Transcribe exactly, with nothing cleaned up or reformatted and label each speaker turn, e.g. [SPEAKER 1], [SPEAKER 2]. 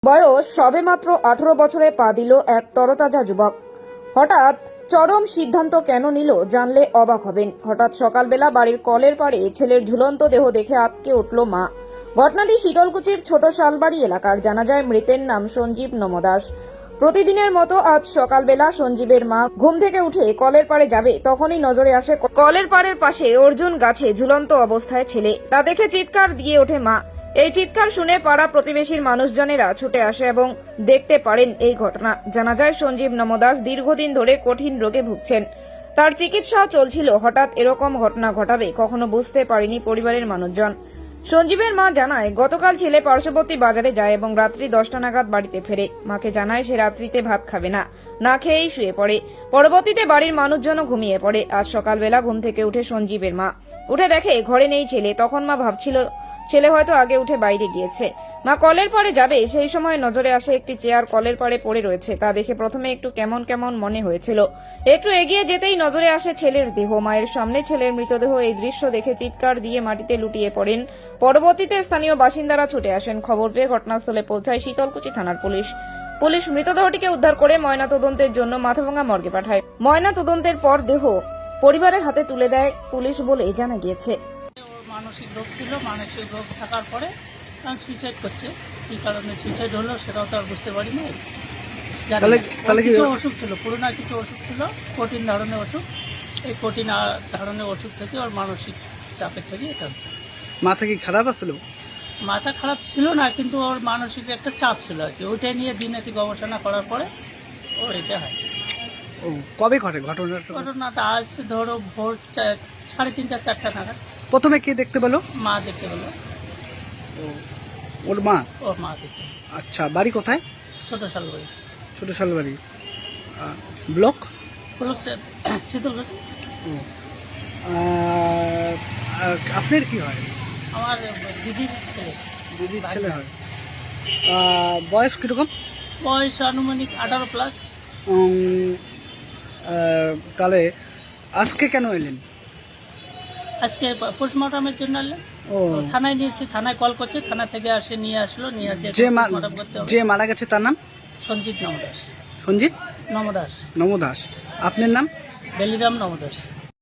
[SPEAKER 1] বয়স সবেমাত্র আঠারো বছরে পা দিল এক তরতাজা যুবক। হঠাৎ চরম সিদ্ধান্ত কেন নিল জানলে অবাক হবেন। হঠাৎ সকালবেলা বাড়ির কলের পাড়ে ছেলের ঝুলন্ত দেহ দেখে আঁতকে উঠল মা। ঘটনাটি শীতলকুচির ছোট শালবাড়ি এলাকার। জানা যায় মৃতের নাম সঞ্জীব নমদাস। প্রতিদিনের মতো আজ সকালবেলা সঞ্জীবের মা ঘুম থেকে উঠে কলের পাড়ে যাবে, তখনই নজরে আসে কলের পাড়ের পাশে অর্জুন গাছে ঝুলন্ত অবস্থায় ছেলে। তা দেখে চিৎকার দিয়ে ওঠে মা। এই চিৎকার শুনে পাড়া প্রতিবেশীর মানুষজনেরা ছুটে আসে এবং দেখতে পারেন এই ঘটনা। জানা যায় সঞ্জীব নমদাস দীর্ঘদিন ধরে কঠিন রোগে ভুগছেন, তার চিকিৎসাও চলছিল। হঠাৎ এরকম ঘটনা ঘটাবে কখনো বুঝতে পারেনি পরিবারের মানুষজন। সঞ্জীবের মা জানায়, গতকাল ছেলে পার্শ্ববর্তী বাজারে যায় এবং রাত্রি দশটা নাগাদ বাড়িতে ফেরে। মাকে জানায় সে রাত্রিতে ভাত খাবে না, না খেয়েই শুয়ে পড়ে। পরবর্তীতে বাড়ির মানুষজনও ঘুমিয়ে পড়ে। আজ সকালবেলা ঘুম থেকে উঠে সঞ্জীবের মা উঠে দেখে ঘরে নেই ছেলে। তখন মা ভাবছিল ছেলে হয়তো আগে উঠে বাইরে গিয়েছে। মা কলের পাড়ে যাবে, সেই সময় নজরে আসে একটি চেয়ার কলের পাড়ে পড়ে রয়েছে। তা দেখে প্রথমে একটু কেমন কেমন মনে হয়েছিল। একটু এগিয়ে যেতেই নজরে আসে ছেলের দেহ। মায়ের সামনে ছেলের মৃতদেহ। এই দৃশ্য দেখে চিৎকার দিয়ে মাটিতে লুটিয়ে পড়েন। পরবর্তীতে স্থানীয় বাসিন্দারা ছুটে আসেন। খবর পেয়ে ঘটনাস্থলে পৌঁছায় শীতলকুচি থানার পুলিশ। পুলিশ মৃতদেহটিকে উদ্ধার করে ময়নাতদন্তের জন্য মাথাভাঙ্গা মর্গে পাঠায়। ময়নাতদন্তের পর দেহ পরিবারের হাতে তুলে দেয় পুলিশ বলে জানা গিয়েছে।
[SPEAKER 2] মানসিক রোগ ছিল, মানসিক রোগ থাকার পরে সুইসাইড করছে। কী কারণে সুইসাইড হলো সেটাও তো আর বুঝতে পারি না। কিছু অসুখ ছিল, পুরোনো কিছু অসুখ ছিল, কঠিন ধরনের অসুখ। এই কঠিন ধরনের অসুখ থেকে ওর মানসিক চাপের থেকে এটা হচ্ছে।
[SPEAKER 3] মাথা কি খারাপ আসছিল?
[SPEAKER 2] মাথা খারাপ ছিল না, কিন্তু ওর মানসিক একটা চাপ ছিল আর কি। ওইটা নিয়ে দিনে গবেষণা করার পরে ওর এটা হয়।
[SPEAKER 3] ও কবে ঘটে ঘটনাটা?
[SPEAKER 2] ঘটনাটা আজ ধরো ভোর সাড়ে তিনটা চারটা নাগাদ।
[SPEAKER 3] প্রথমে কে দেখতে পেলো?
[SPEAKER 2] মা দেখতে পেলো।
[SPEAKER 3] ও ওর মা?
[SPEAKER 2] ওর মা দেখতে।
[SPEAKER 3] আচ্ছা, বাড়ি কোথায়?
[SPEAKER 2] ছোট শালবাড়ি।
[SPEAKER 3] Choto Shalbari block
[SPEAKER 2] block Sitalkuchi.
[SPEAKER 3] ও আপনার কি হয়?
[SPEAKER 2] আমার দিদির ছেলে।
[SPEAKER 3] দিদির ছেলে হয়। বয়স কীরকম?
[SPEAKER 2] বয়স আনুমানিক আঠারো প্লাস।
[SPEAKER 3] তাহলে আজকে কেন এলেন?
[SPEAKER 2] আজকে পোস্টমর্টমের জন্য এলেন।
[SPEAKER 3] ও
[SPEAKER 2] থানায় নিয়েছি, থানায় কল করছে, থানা থেকে আসে নিয়ে আসলো। নিয়ে আসে
[SPEAKER 3] যে যে মারা গেছে তার নাম?
[SPEAKER 2] সঞ্জিত নমদাস।
[SPEAKER 3] সঞ্জিত
[SPEAKER 2] নমদাস।
[SPEAKER 3] নমদাস। আপনার নাম?
[SPEAKER 2] বেলিরাম নমদাস।